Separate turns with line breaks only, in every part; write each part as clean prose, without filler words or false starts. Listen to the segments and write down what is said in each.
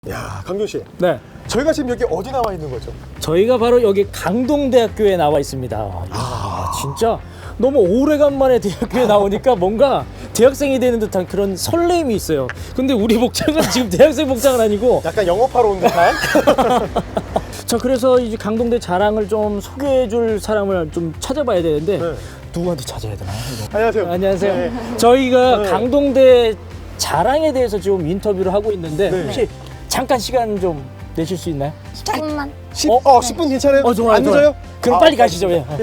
야, 강준 씨.
네.
저희가 지금 여기 어디 나와 있는 거죠?
저희가 바로 여기 강동대학교에 나와 있습니다. 이야, 진짜 너무 오래간만에 대학교에 나오니까 뭔가 대학생이 되는 듯한 그런 설레임이 있어요. 근데 우리 복장은 지금 대학생 복장은 아니고
약간 영업하러 온 듯한?
자, 그래서 이제 강동대 자랑을 좀 소개해 줄 사람을 좀 찾아봐야 되는데
네.
누구한테 찾아야 되나요? 이거?
안녕하세요.
안녕하세요.
네.
저희가
네.
강동대 자랑에 대해서 지금 인터뷰를 하고 있는데
네.
혹시 잠깐 시간 좀 내실 수 있나요?
조금만.
10분 괜찮아요?
좋아요,
안
좋아요.
늦어요?
그럼 빨리 가시죠. 예.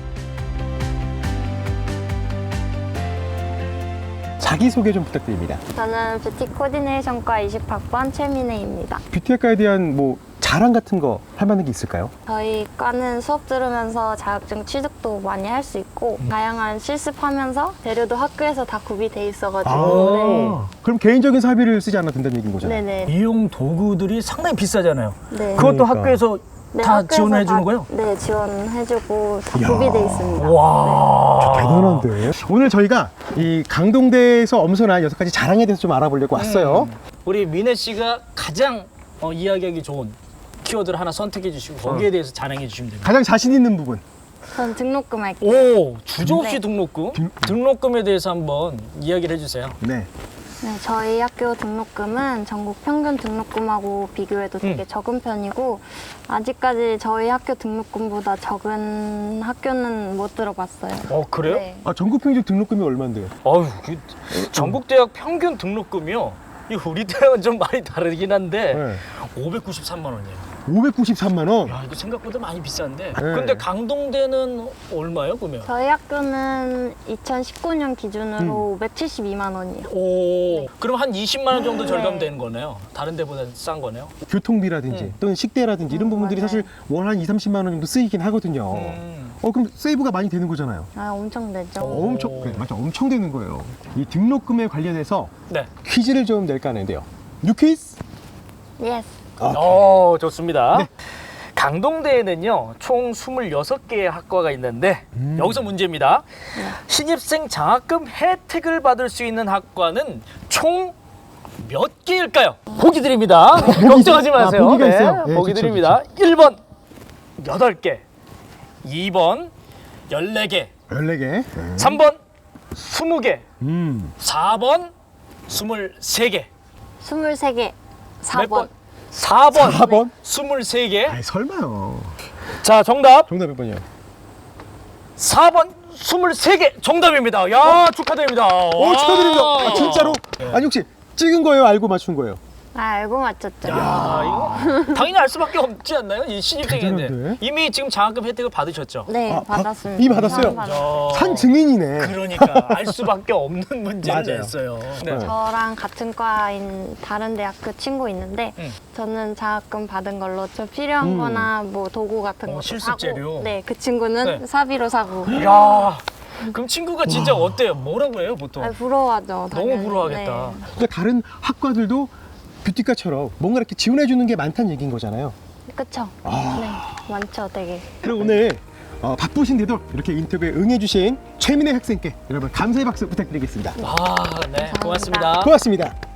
자기소개 좀 부탁드립니다.
저는 뷰티 코디네이션과 20학번 최민혜입니다.
뷰티학과에 대한 뭐 자랑 같은 거 할 만한 게 있을까요?
저희 과는 수업 들으면서 자격증 취득도 많이 할 수 있고 다양한 실습하면서 재료도 학교에서 다 구비돼 있어가지고
그럼 개인적인 사비를 쓰지 않아도 된다는 얘기인 거잖아요.
네네.
미용 도구들이 상당히 비싸잖아요.
네.
그것도
그러니까.
학교에서
네,
다
학교에서
지원해 주는
다-
거예요?
네, 지원해주고 다
이야.
구비돼 있습니다.
와.
대단한데. 오늘 저희가 이 강동대에서 엄선한 6가지 자랑에 대해서 좀 알아보려고 왔어요.
우리 민혜 씨가 가장 이야기하기 좋은 키워드를 하나 선택해 주시고 거기에 대해서 자랑해 주시면 됩니다.
가장 자신 있는 부분.
전 등록금 할게요.
오, 주저없이
네.
등록금? 등록금에 대해서 한번 이야기를 해주세요.
네.
네, 저희 학교 등록금은 전국 평균 등록금하고 비교해도 되게 적은 편이고 아직까지 저희 학교 등록금보다 적은 학교는 못 들어봤어요.
그래요?
네.
아, 전국 평균 등록금이 얼마인데요?
어휴, 전국 대학 평균 등록금이요. 이 우리 대학은 좀 많이 다르긴 한데
네.
593만 원이에요.
593만 원.
야, 이거 생각보다 많이 비싼데.
네.
근데 강동대는 얼마요, 그러면?
저희 학교는 2019년 기준으로 572만 원이요.
오, 그럼 한 20만 원 정도 절감되는 거네요. 다른 데보다 싼 거네요.
교통비라든지 또는 식대라든지 이런 부분들이
맞아요.
사실 월 한 2, 30만 원 정도 쓰이긴 하거든요. 그럼 세이브가 많이 되는 거잖아요.
아, 엄청 되죠.
엄청, 그래, 맞아, 엄청 되는 거예요. 이 등록금에 관련해서
네.
퀴즈를 좀 낼까 하는데요. 뉴퀴즈?
예스.
좋습니다.
네.
강동대에는요, 총 26개의 학과가 있는데, 여기서 문제입니다. 신입생 장학금 혜택을 받을 수 있는 학과는 총 몇 개일까요? 보기 드립니다. 걱정하지 마세요.
보기가 있어요. 네,
보기
좋죠,
드립니다. 1번 8개, 2번 14개,
14개.
3번 20개,
음.
4번 23개.
23개. 4번.
4번.
4번?
23개.
아이, 설마요.
자, 정답.
정답 몇 번이요?
4번 23개 정답입니다. 야, 축하드립니다.
오, 축하드립니다. 아, 진짜로? 아니, 혹시 찍은 거예요? 알고 맞춘 거예요?
아, 알고 맞췄죠.
야, 이거 당연히 알 수밖에 없지 않나요? 이 신입생인데.
대단한데?
이미 지금 장학금 혜택을 받으셨죠?
네,
아,
받았습니다.
이미 받았어요? 산 증인이네.
그러니까 알 수밖에 없는 문제를
맞아요.
냈어요.
네.
저랑 같은 과인 다른 대학교 친구 있는데 저는 장학금 받은 걸로 좀 필요한 거나 뭐 도구 같은 것도
실습
사고
재료?
네, 그 친구는
네.
사비로 사고
야, 그럼 친구가 진짜 어때요? 뭐라고 해요, 보통?
아, 부러워하죠. 당연히.
너무 부러워하겠다.
네.
그러니까 다른 학과들도 뷰티과처럼 뭔가 이렇게 지원해 주는 게 많다는 얘기인 거잖아요.
그쵸? 네, 많죠, 되게.
그럼 오늘 바쁘신데도 이렇게 인터뷰에 응해주신 최민혜 학생께 여러분 감사의 박수 부탁드리겠습니다.
네,
감사합니다.
고맙습니다.
고맙습니다.